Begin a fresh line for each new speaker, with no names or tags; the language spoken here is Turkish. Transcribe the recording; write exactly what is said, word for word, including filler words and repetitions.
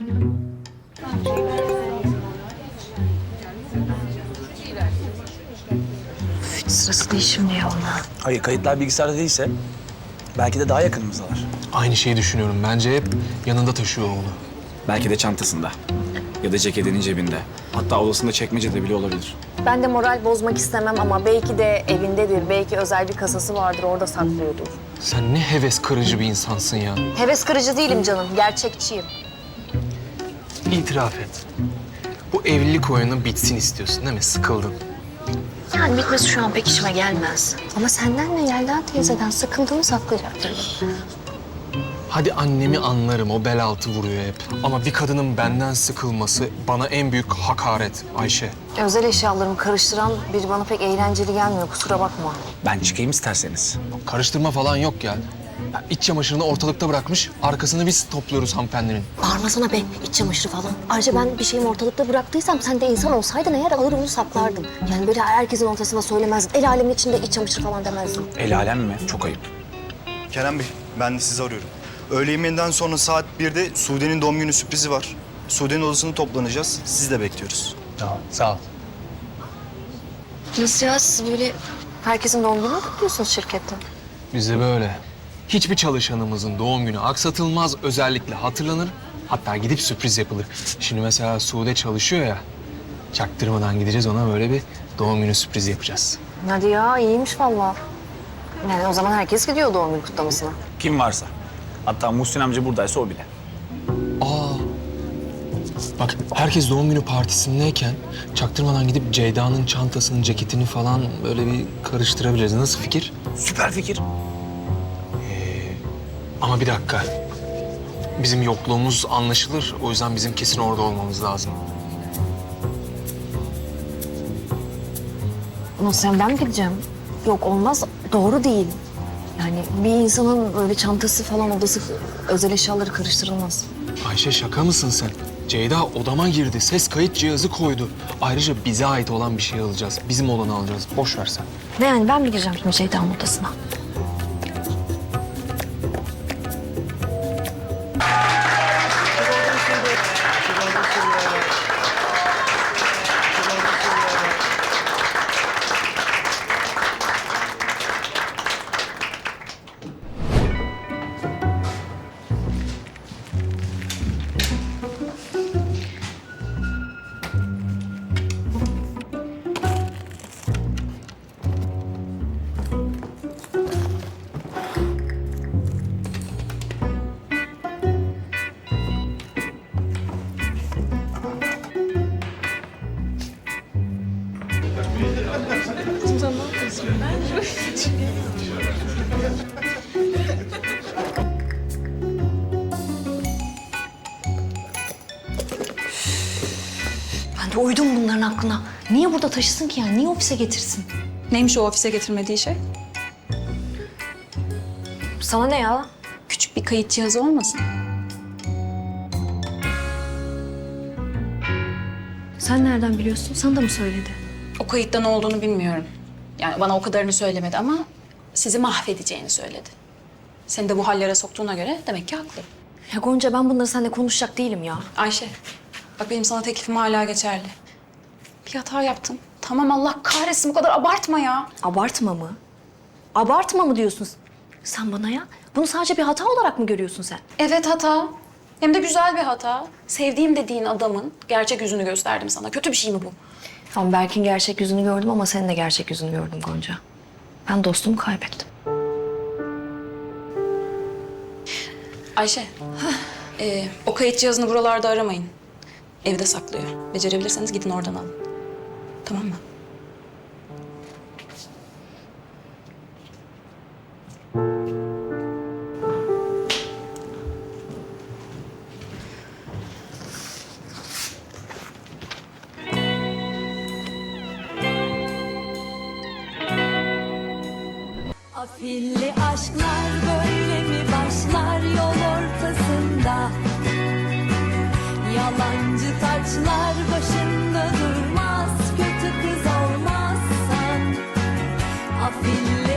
Üf, hiç sırası değil şimdi ya ona.
Hayır, kayıtlar bilgisayarda değilse belki de daha yakınımızdalar.
Aynı şeyi düşünüyorum. Bence hep yanında taşıyor onu.
Belki de çantasında ya da ceketinin cebinde. Hatta odasında çekmecede bile olabilir.
Ben de moral bozmak istemem ama belki de evindedir. Belki özel bir kasası vardır, orada saklıyordur.
Sen ne heves kırıcı bir insansın ya.
Heves kırıcı değilim canım, gerçekçiyim.
İtiraf et. Bu evlilik oyunu bitsin istiyorsun değil mi? Sıkıldın.
Yani bitmesi şu an pek işime gelmez. Ama senden ve Yelda teyzeden sıkıldığımı saklayacaktım.
Hadi annemi anlarım, o bel altı vuruyor hep. Ama bir kadının benden sıkılması bana en büyük hakaret Ayşe.
Özel eşyalarımı karıştıran biri bana pek eğlenceli gelmiyor, kusura bakma.
Ben çıkayım isterseniz.
Karıştırma falan yok ya. Ya İç çamaşırını ortalıkta bırakmış, arkasını biz topluyoruz hanımefendinin.
Bağırmasana be, iç çamaşırı falan. Ayrıca ben bir şeyimi ortalıkta bıraktıysam sen de insan olsaydın eğer alır onu saklardın. Yani böyle herkesin ortasında söylemezdin. El alemin içinde iç çamaşırı falan demezdin.
El alem mi? Çok ayıp.
Kerem Bey, ben de sizi arıyorum. Öğle yemeğinden sonra saat birde Sude'nin doğum günü sürprizi var. Sude'nin odasını toplanacağız. Sizi de bekliyoruz.
Tamam, sağ ol.
Nasıl ya, siz böyle herkesin doğum gününü mü kutluyorsunuz şirkette?
Bize böyle. Hiçbir çalışanımızın doğum günü aksatılmaz, özellikle hatırlanır. Hatta gidip sürpriz yapılır. Şimdi mesela Sude çalışıyor ya, çaktırmadan gideceğiz ona böyle bir doğum günü sürprizi yapacağız.
Hadi ya, iyiymiş vallahi. Yani o zaman herkes gidiyor doğum günü kutlamasına.
Kim varsa. Hatta Muhsin amca buradaysa o bile.
Aa, bak herkes doğum günü partisindeyken çaktırmadan gidip Ceyda'nın çantasını, ceketini falan böyle bir karıştırabiliriz. Nasıl fikir?
Süper fikir.
Ama bir dakika. Bizim yokluğumuz anlaşılır. O yüzden bizim kesin orada olmamız lazım.
Nasıl yani, ben mi gideceğim? Yok, olmaz, doğru değil. Yani bir insanın böyle çantası falan, odası, özel eşyaları karıştırılmaz.
Ayşe şaka mısın sen? Ceyda odama girdi. Ses kayıt cihazı koydu. Ayrıca bize ait olan bir şey alacağız. Bizim olanı alacağız. Boş ver sen.
Ne yani, ben mi gireceğim şimdi Ceyda'nın odasına? Ben de uydum bunların aklına. Niye burada taşısın ki yani? Niye ofise getirsin?
Neymiş o ofise getirmediği şey?
Sana ne ya?
Küçük bir kayıt cihazı olmasın?
Sen nereden biliyorsun? Sana da mı söyledi?
O kayıtta ne olduğunu bilmiyorum. Yani bana o kadarını söylemedi ama sizi mahvedeceğini söyledi. Seni de bu hallere soktuğuna göre demek ki haklı.
Ya Gonca, ben bunları seninle konuşacak değilim ya.
Ayşe, bak benim sana teklifim hala geçerli. Bir hata yaptın. Tamam, Allah kahretsin, bu kadar abartma ya.
Abartma mı? Abartma mı diyorsun sen bana ya? Bunu sadece bir hata olarak mı görüyorsun sen?
Evet, hata. Hem de güzel bir hata. Sevdiğim dediğin adamın gerçek yüzünü gösterdim sana. Kötü bir şey mi bu?
Tamam, Berk'in gerçek yüzünü gördüm ama senin de gerçek yüzünü gördüm Gonca. Ben dostumu kaybettim.
Ayşe, ee, o kayıt cihazını buralarda aramayın. Evde saklıyor. Becerebilirseniz gidin oradan alın. Tamam mı?
Afilli aşklar böyle mi başlar yol ortasında? Yalancı taçlar başında durmaz, kötü kız olmazsan. Afilli